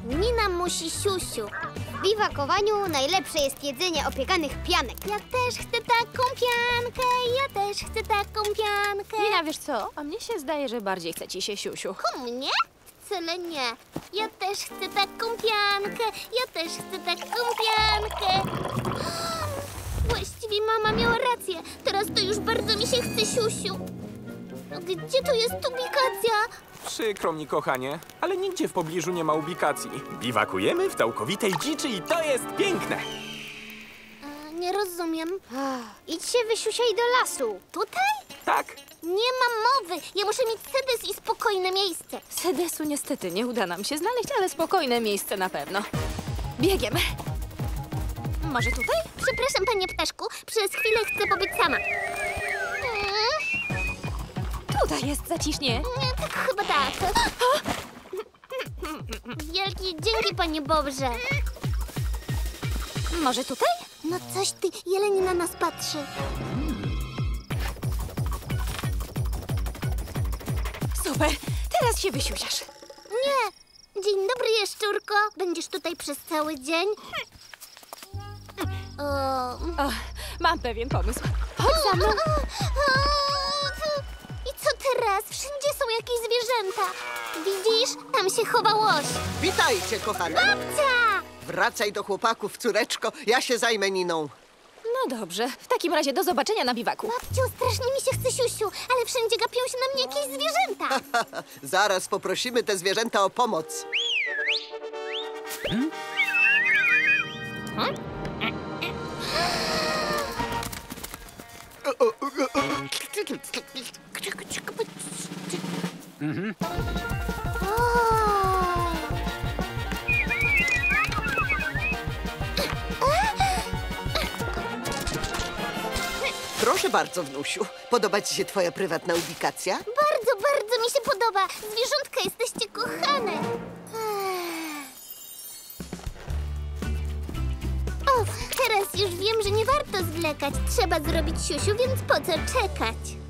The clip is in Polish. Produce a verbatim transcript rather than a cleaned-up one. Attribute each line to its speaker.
Speaker 1: Nina musi siusiu. W biwakowaniu najlepsze jest jedzenie opiekanych pianek. Ja też chcę taką piankę, ja też chcę taką piankę.
Speaker 2: Nina, wiesz co? A mnie się zdaje, że bardziej chce ci się siusiu.
Speaker 1: Ku mnie? Wcale nie. Ja też chcę taką piankę, ja też chcę taką piankę. Właściwie mama miała rację. Teraz to już bardzo mi się chce siusiu. Gdzie tu jest ubikacja?
Speaker 3: Przykro mi, kochanie, ale nigdzie w pobliżu nie ma ubikacji. Biwakujemy w całkowitej dziczy i to jest piękne.
Speaker 1: A, nie rozumiem. Idź się wysiusiaj do lasu. Tutaj?
Speaker 3: Tak?
Speaker 1: Nie ma mowy. Ja muszę mieć sedes i spokojne miejsce.
Speaker 2: Sedesu niestety nie uda nam się znaleźć, ale spokojne miejsce na pewno. Biegiem. Może tutaj?
Speaker 1: Przepraszam, panie ptaszku. Przez chwilę chcę pobyć sama.
Speaker 2: Tutaj jest zacisznie.
Speaker 1: Nie, tak chyba tak. Wielkie dzięki, panie Bobrze.
Speaker 2: Może tutaj?
Speaker 1: No coś ty, jeleń na nas patrzy.
Speaker 2: Super, teraz się wysiusiasz.
Speaker 1: Nie. Dzień dobry, jaszczurko. Będziesz tutaj przez cały dzień? O...
Speaker 2: O, mam pewien pomysł. Chodź za mną.
Speaker 1: I co teraz? Wszędzie są jakieś zwierzęta. Widzisz? Tam się chowa łoś.
Speaker 4: Witajcie, kochane.
Speaker 1: Babcia!
Speaker 4: Wracaj do chłopaków, córeczko. Ja się zajmę Niną.
Speaker 2: No dobrze, w takim razie do zobaczenia na biwaku.
Speaker 1: Babciu, strasznie mi się chce siusiu, ale wszędzie gapią się na mnie jakieś zwierzęta.
Speaker 4: Zaraz poprosimy te zwierzęta o pomoc.
Speaker 3: Hmm?
Speaker 1: Mhm.
Speaker 4: Proszę bardzo, wnusiu. Podoba ci się twoja prywatna ubikacja?
Speaker 1: Bardzo, bardzo mi się podoba. Zwierzątka, jesteście kochane. O, teraz już wiem, że nie warto zwlekać. Trzeba zrobić siusiu, więc po co czekać?